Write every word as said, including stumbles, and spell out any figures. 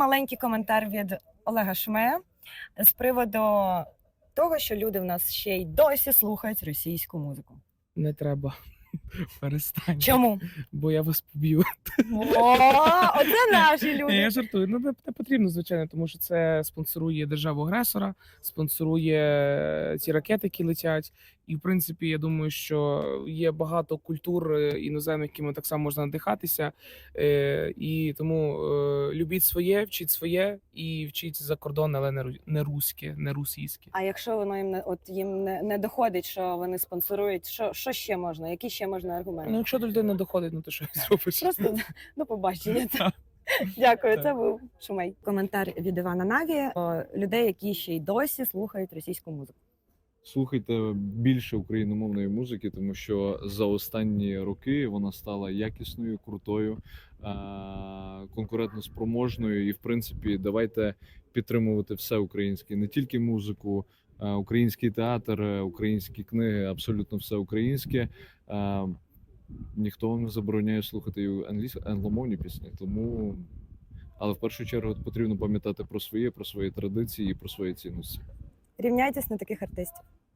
маленький коментар від Олега Шумея з приводу того, що люди в нас ще й досі слухають російську музику. Не треба. Перестань. Чому? Бо я вас поб'ю. О, оце наші люди. Я жартую. Ну, не, не потрібно, звичайно, тому що це спонсорує державу-агресора, спонсорує ці ракети, які летять. І, в принципі, я думаю, що є багато культур іноземних, якими так само можна надихатися. Е, і тому е, любіть своє, вчіть своє і вчіть за кордон, але не, ру- не руське, не російське. А якщо воно їм не от їм не, не доходить, що вони спонсорують, що, що ще можна? Які ще можна аргументи? Ну, якщо до людини не доходить, ну то що зробиш? Просто до побачення. Дякую, Так. це був Шумей. Коментар від Івана Наві про людей, які ще й досі слухають російську музику. Слухайте більше україномовної музики, тому що за останні роки вона стала якісною, крутою, конкурентоспроможною. І, в принципі, давайте підтримувати все українське, не тільки музику, український театр, українські книги, абсолютно все українське. Ніхто вам не забороняє слухати англійські, англомовні пісні, тому, але в першу чергу потрібно пам'ятати про своє, про свої традиції і про свої цінності. Рівняйтесь на таких артистів.